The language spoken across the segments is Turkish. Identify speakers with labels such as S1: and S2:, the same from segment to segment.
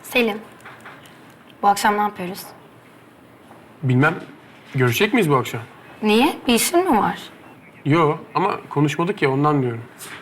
S1: Selim, bu akşam ne yapıyoruz?
S2: Bilmem. Görüşecek miyiz bu akşam?
S1: Niye? Bir işin mi var?
S2: Yo ama konuşmadık ya ondan diyorum.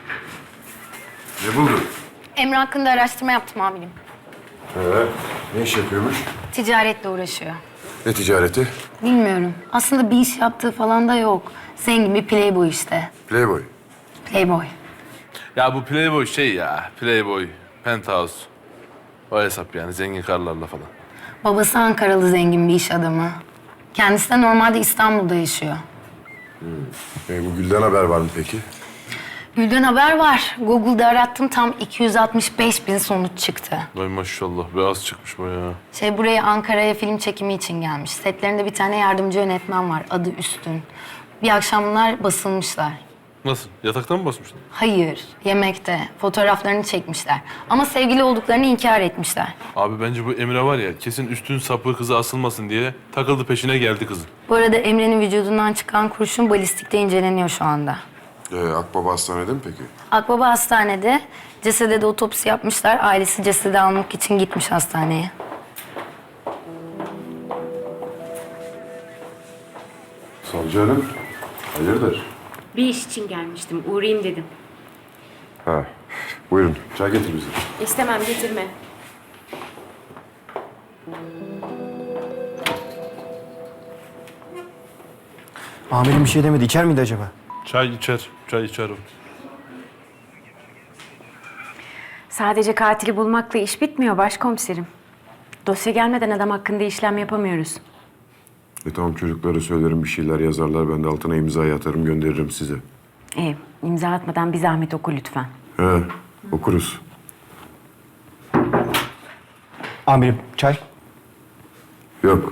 S3: Ne buldun?
S1: Emre hakkında araştırma yaptım amirim.
S3: Ne iş yapıyormuş?
S1: Ticaretle uğraşıyor.
S3: Ne ticareti?
S1: Bilmiyorum. Aslında bir iş yaptığı falan da yok. Zengin bir playboy işte.
S3: Playboy.
S1: Playboy.
S4: Ya bu Playboy şey ya, Playboy, Penthouse. O hesap yani, zengin karlarla falan.
S1: Babası Ankaralı zengin bir iş adamı. Kendisi de normalde İstanbul'da yaşıyor.
S3: Bu Gül'den haber var mı peki?
S1: Gül'den haber var. Google'da arattım, tam 265 bin sonuç çıktı.
S4: Vay maşallah, beyaz çıkmış bayağı.
S1: Buraya Ankara'ya film çekimi için gelmiş. Setlerinde bir tane yardımcı yönetmen var, adı Üstün. Bir akşam bunlar basılmışlar.
S4: Nasıl, yataktan mı basmışlar?
S1: Hayır, yemekte. Fotoğraflarını çekmişler. Ama sevgili olduklarını inkar etmişler.
S4: Abi bence bu Emre var ya, kesin üstün sapı kızı asılmasın diye takıldı peşine geldi kızın.
S1: Bu arada Emre'nin vücudundan çıkan kurşun balistikte inceleniyor şu anda.
S3: Akbaba hastanede mi peki?
S1: Akbaba hastanede. Cesede de otopsi yapmışlar. Ailesi cesedi almak için gitmiş hastaneye.
S3: Savcı hanım, hayırdır?
S5: Bir iş için gelmiştim. Uğrayayım dedim.
S3: Ha, buyurun. Çay getir bize.
S5: İstemem, getirme.
S6: Amirim bir şey demedi. İçer miydi acaba?
S4: Çay içer o.
S5: Sadece katili bulmakla iş bitmiyor başkomiserim. Dosya gelmeden adam hakkında işlem yapamıyoruz.
S3: Tamam, çocuklara söylerim, bir şeyler yazarlar. Ben de altına imzayı atarım, gönderirim size.
S5: İmza atmadan bir zahmet oku lütfen.
S3: He, okuruz.
S6: Amirim çay.
S3: Yok.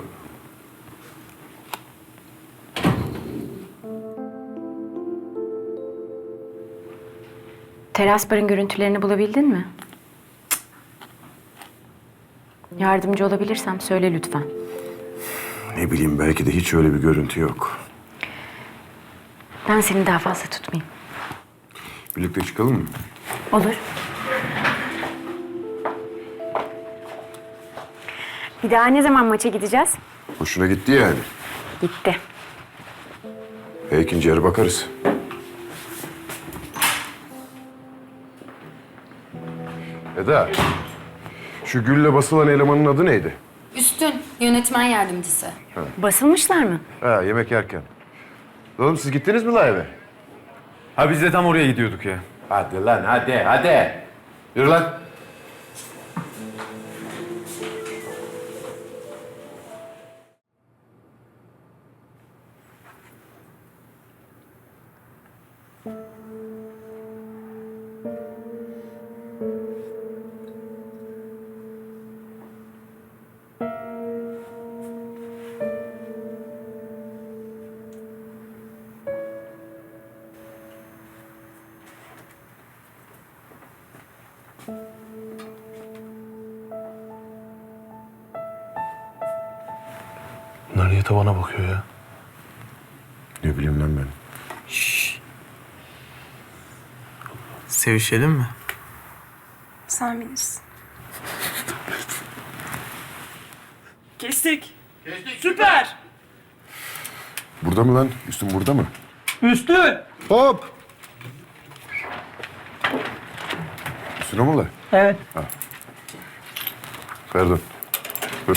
S5: Teras barın görüntülerini bulabildin mi? Yardımcı olabilirsem söyle lütfen.
S3: Ne bileyim, belki de hiç öyle bir görüntü yok.
S5: Ben seni daha fazla tutmayayım.
S3: Birlikte çıkalım mı?
S5: Olur. Bir daha ne zaman maça gideceğiz?
S3: Hoşuna gitti yani.
S5: Gitti.
S3: İkinci yarı bakarız. Eda, şu Gül'le basılan elemanın adı neydi?
S1: Üstün, yönetmen yardımcısı.
S5: Basılmışlar mı?
S3: Yemek yerken. Oğlum siz gittiniz mi la eve?
S7: Ha biz de tam oraya gidiyorduk ya.
S3: Hadi lan, hadi. Yürü lan.
S4: Bunlar niye tavana bakıyor ya?
S3: Ne bileyim lan ben.
S6: Sevişelim mi?
S8: Sen bilirsin.
S9: Kestik. Süper.
S3: Burada mı lan? Üstün burada mı?
S9: Üstün.
S6: Hop!
S3: Üstüne mi la?
S9: Evet.
S3: Pardon. Dur.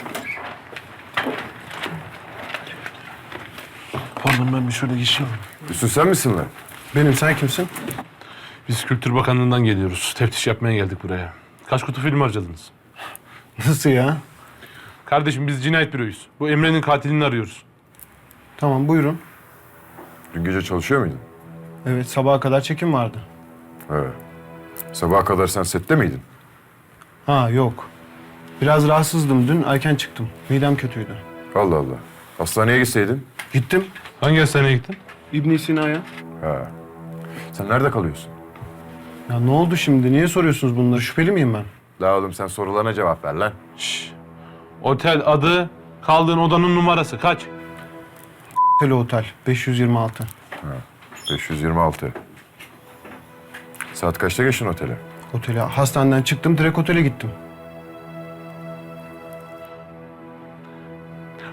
S4: Pardon, ben bir şöyle geçeyim.
S3: Üstün sen misin lan?
S2: Benim, sen kimsin?
S4: Biz Kültür Bakanlığı'ndan geliyoruz. Teftiş yapmaya geldik buraya. Kaç kutu film harcadınız?
S2: Nasıl ya?
S4: Kardeşim biz cinayet büroyuz. Bu Emre'nin katilini arıyoruz.
S2: Tamam, buyurun.
S3: Dün gece çalışıyor muydun?
S2: Evet, sabaha kadar çekim vardı.
S3: He. Sabaha kadar sen sette miydin?
S2: Ha, yok. Biraz rahatsızdım dün, erken çıktım. Midem kötüydü.
S3: Allah Allah. Hastaneye gitseydin.
S2: Gittim
S4: Hangi hastaneye gittin?
S3: İbn Sina'ya. Ha. Sen nerede kalıyorsun?
S2: Ya ne oldu şimdi? Niye soruyorsunuz bunları? Şüpheli miyim ben?
S3: La oğlum sen sorularına cevap ver lan.
S4: Otel adı, kaldığın odanın numarası kaç?
S2: Tele Otel 526.
S3: 526. Saat kaçta geçtin otele?
S2: Otele, hastaneden çıktım, direkt otele gittim.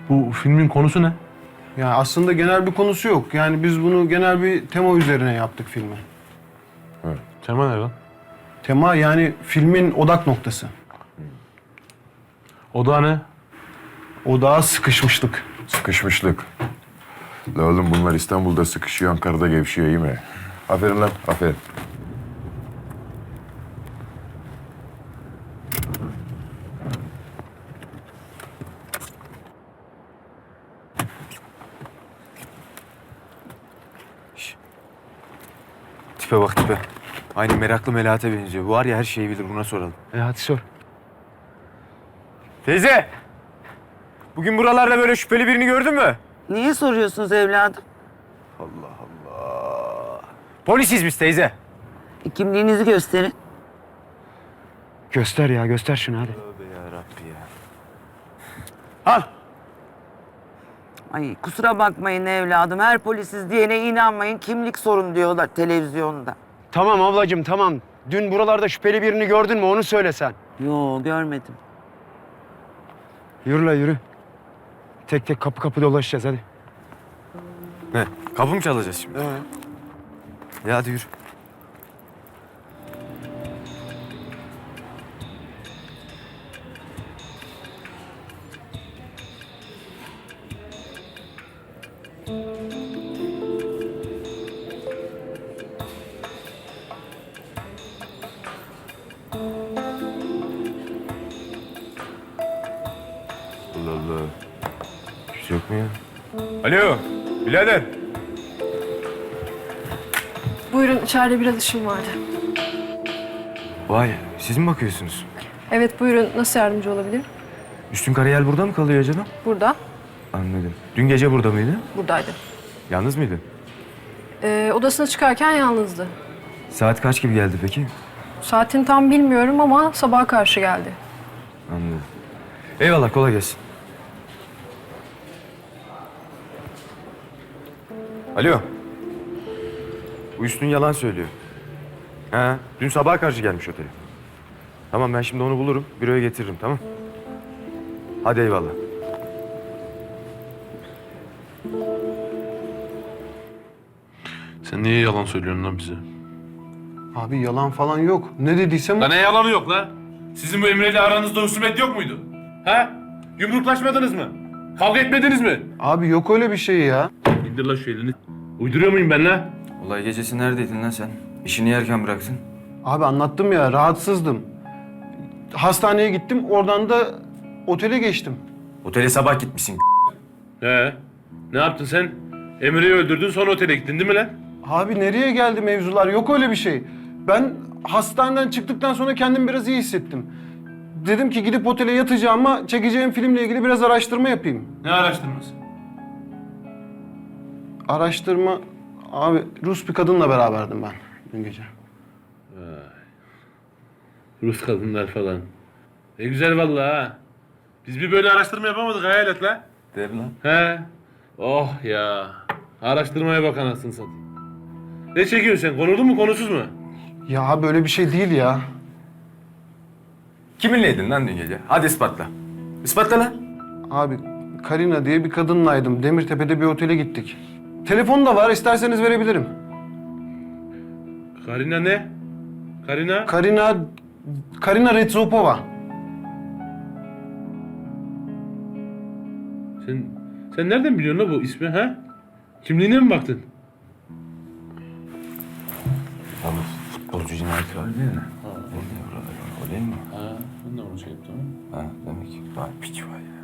S4: Bu filmin konusu ne?
S2: Ya aslında genel bir konusu yok. Yani biz bunu genel bir tema üzerine yaptık filmi.
S4: Tema ne lan?
S2: Tema yani filmin odak noktası.
S4: O da ne?
S2: Odağa sıkışmışlık.
S3: Sıkışmışlık. La oğlum bunlar İstanbul'da sıkışıyor, Ankara'da gevşiyor iyi mi? Aferin lan, aferin.
S6: Tipe bak tipe. Aynı meraklı Melahat'e benziyor. Bu var ya her şeyi bilir, buna soralım.
S2: Hadi sor.
S6: Teyze! Bugün buralarda böyle şüpheli birini gördün mü?
S10: Niye soruyorsunuz evladım?
S6: Polisiz biz teyze.
S10: Kimliğinizi gösterin.
S6: Göster ya, göster şunu hadi. Tövbe yarabbi ya. Al!
S10: Ay kusura bakmayın evladım. Her polisiz diyene inanmayın. Kimlik sorun diyorlar televizyonda.
S6: Tamam ablacığım tamam. Dün buralarda şüpheli birini gördün mü onu söyle sen.
S10: Yo görmedim.
S6: Yürü la yürü. Tek tek kapı kapı dolaşacağız hadi. Ne? Kapı mı çalacağız şimdi? Ya hadi yürü.
S3: Allah Allah. Kimse yok mu ya?
S6: Alo, birader.
S8: Buyurun, içeride biraz işim vardı.
S6: Vay, siz mi bakıyorsunuz?
S8: Evet, buyurun. Nasıl yardımcı olabilirim?
S6: Üstün Karayel burada mı kalıyor acaba?
S8: Burada,
S6: Anladım. Dün gece burada mıydı?
S8: buradaydı.
S6: Yalnız mıydı?
S8: Odasına çıkarken yalnızdı.
S6: Saat kaç gibi geldi peki?
S8: Saatini tam bilmiyorum ama sabaha karşı geldi.
S6: Anladım. Eyvallah, kolay gelsin. Alo. Bu Üstün yalan söylüyor. Ha, dün sabaha karşı gelmiş otele. Tamam ben şimdi onu bulurum, büroya getiririm tamam. Hadi eyvallah.
S4: Sen niye yalan söylüyorsun lan bize?
S2: Abi yalan falan yok. Ne dediysem
S4: Lan ne yalanı yok la? Sizin bu Emre ile aranızda husumet yok muydu? Ha? Yumruklaşmadınız mı? Kavga etmediniz mi?
S2: Abi yok öyle bir şey ya.
S4: İndir la şu elini. Uyduruyor muyum ben la?
S6: Olay gecesi neredeydin lan sen? İşini yerken bıraktın.
S2: Abi anlattım ya rahatsızdım. Hastaneye gittim oradan da otele geçtim.
S6: Otele sabah gitmişsin.
S4: He. Ne yaptın sen? Emre'yi öldürdün sonra otele gittin değil mi lan?
S2: Abi nereye geldi mevzular? Yok öyle bir şey. Ben hastaneden çıktıktan sonra kendimi biraz iyi hissettim. Dedim ki gidip otele yatacağım ama çekeceğim filmle ilgili biraz araştırma yapayım.
S4: Ne araştırması?
S2: Araştırma... Abi Rus bir kadınla beraberdim ben dün gece.
S4: Rus kadınlar falan. Ne güzel vallahi ha. Biz bir böyle araştırma yapamadık hayal et la.
S6: Der lan.
S4: He. Oh ya. Araştırmaya bak anasını satayım. Ne çekiyorsun sen? Konulu mu konusuz mu?
S2: Ya abi öyle bir şey değil ya.
S6: Kiminleydin lan dün gece? Hadi ispatla. İspatla lan.
S2: Abi Karina diye bir kadınlaydım. Demirtepe'de bir otele gittik. Telefon da var isterseniz verebilirim.
S4: Karina ne? Karina?
S2: Karina Retsopova.
S4: Sen nereden biliyorsun la bu ismi ha? Kimliğine mi baktın?
S6: Oğlum futbolcu cinayeti var değil mi? Olay mi?
S4: Ha, ben de onu şey yaptım.
S6: Ha demek. Vay piç var ya.